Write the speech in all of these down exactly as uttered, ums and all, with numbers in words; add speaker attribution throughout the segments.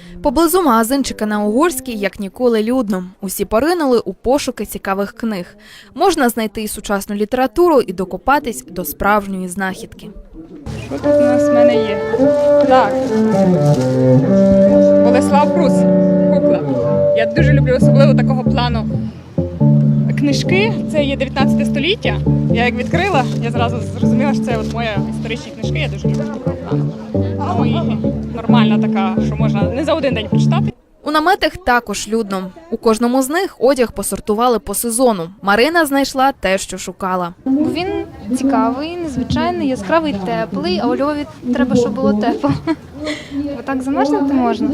Speaker 1: Поблизу магазинчика на Угорській як ніколи людно. Усі поринули у пошуки цікавих книг. Можна знайти і сучасну літературу, і докопатись до справжньої знахідки.
Speaker 2: Що тут у нас в мене є? Так. Болеслав Прус. Кукла. Я дуже люблю особливо такого плану книжки. Це є дев'ятнадцяте століття. Я як відкрила, я зразу зрозуміла, що це от моя історичні книжки. Я дуже люблю такого плану. Ну і нормальна така, що можна не за один день прочитати.
Speaker 1: У наметах також людно. У кожному з них одяг посортували по сезону. Марина знайшла те, що шукала.
Speaker 3: Він цікавий, незвичайний, яскравий, теплий, а у Львові треба, щоб було тепло. Бо так замерзнути можна.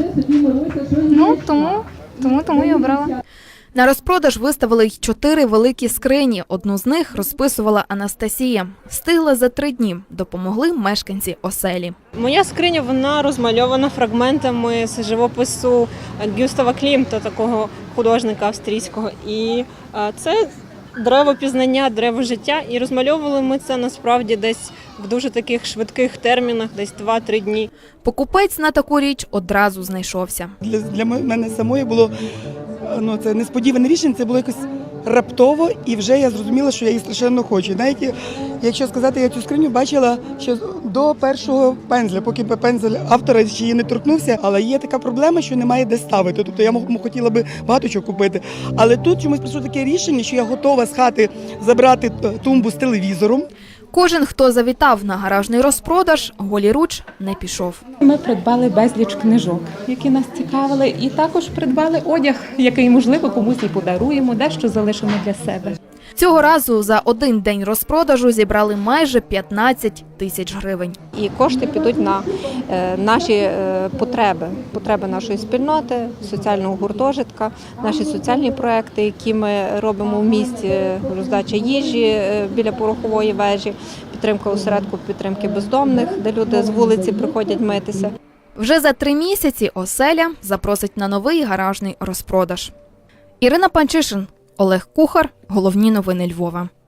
Speaker 3: Ну, тому, тому, тому і обрала.
Speaker 1: На розпродаж виставили й чотири великі скрині. Одну з них розписувала Анастасія. Встигла за три дні. Допомогли мешканці оселі.
Speaker 4: Моя скриня, вона розмальована фрагментами з живопису Гюстава Клімта, такого художника австрійського. І це дерево пізнання, дерево життя. І розмальовували ми це насправді десь в дуже таких швидких термінах, десь два-три дні.
Speaker 1: Покупець на таку річ одразу знайшовся.
Speaker 5: Для, для мене самої було ну, це несподіване рішення, це було якось раптово, і вже я зрозуміла, що я її страшенно хочу. Навіть, якщо сказати, я цю скриню бачила ще до першого пензля, поки пензель автора ще її не торкнувся, але є така проблема, що немає де ставити. Тобто я хотіла би багато чого купити. Але тут чомусь прийшло таке рішення, що я готова з хати забрати тумбу з телевізором.
Speaker 1: Кожен, хто завітав на гаражний розпродаж, голіруч не пішов.
Speaker 6: Ми придбали безліч книжок, які нас цікавили, і також придбали одяг, який, можливо, комусь і подаруємо, дещо залишимо для себе.
Speaker 1: Цього разу за один день розпродажу зібрали майже п'ятнадцять тисяч гривень.
Speaker 7: І кошти підуть на е, наші е, потреби, потреби нашої спільноти, соціального гуртожитка, наші соціальні проекти, які ми робимо в місті, роздача їжі е, біля порохової вежі, підтримка осередку підтримки бездомних, де люди з вулиці приходять митися.
Speaker 1: Вже за три місяці оселя запросить на новий гаражний розпродаж. Ірина Панчишин, Олег Кухар. Головні новини Львова.